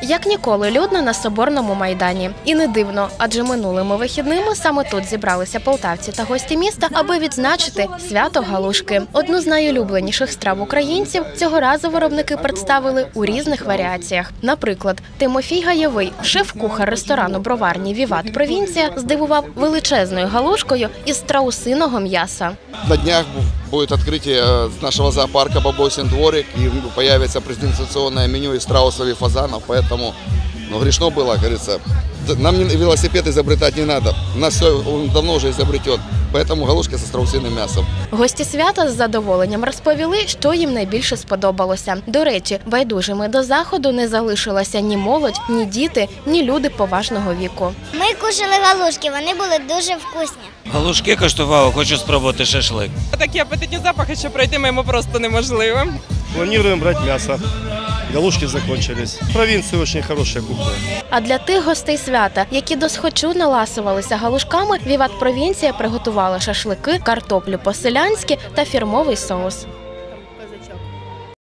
Як ніколи людно на Соборному майдані. І не дивно, адже минулими вихідними саме тут зібралися полтавці та гості міста, аби відзначити свято галушки. Одну з найулюбленіших страв українців цього разу виробники представили у різних варіаціях. Наприклад, Тимофій Гаєвий, шеф-кухар ресторану броварні «Віват Провінція», здивував величезною галушкою із страусиного м'яса. На днях будет открытие нашего зоопарка «Бабосин дворик», и появится презентационное меню из страусов и фазанов, поэтому грешно было, говорится. Нам велосипед изобретать не надо, у нас все он давно уже изобретен, поэтому галушки со страусиным мясом. Гості свята з задоволенням розповіли, що їм найбільше сподобалося. До речі, байдужими до заходу не залишилася ні молодь, ні діти, ні люди поважного віку. Ми кушали галушки, вони були дуже вкусні. Галушки коштував, хочу спробувати шашлик. Такі апетитні запахи, що пройти мимо просто неможливо. Планируем брать мясо. Галушки закончились. В провинции очень хорошая кухня. А для тих гостей свята, які досхочу наласувалися галушками, «Віват Провінція» приготувала шашлики, картоплю по-селянськи та фірмовий соус.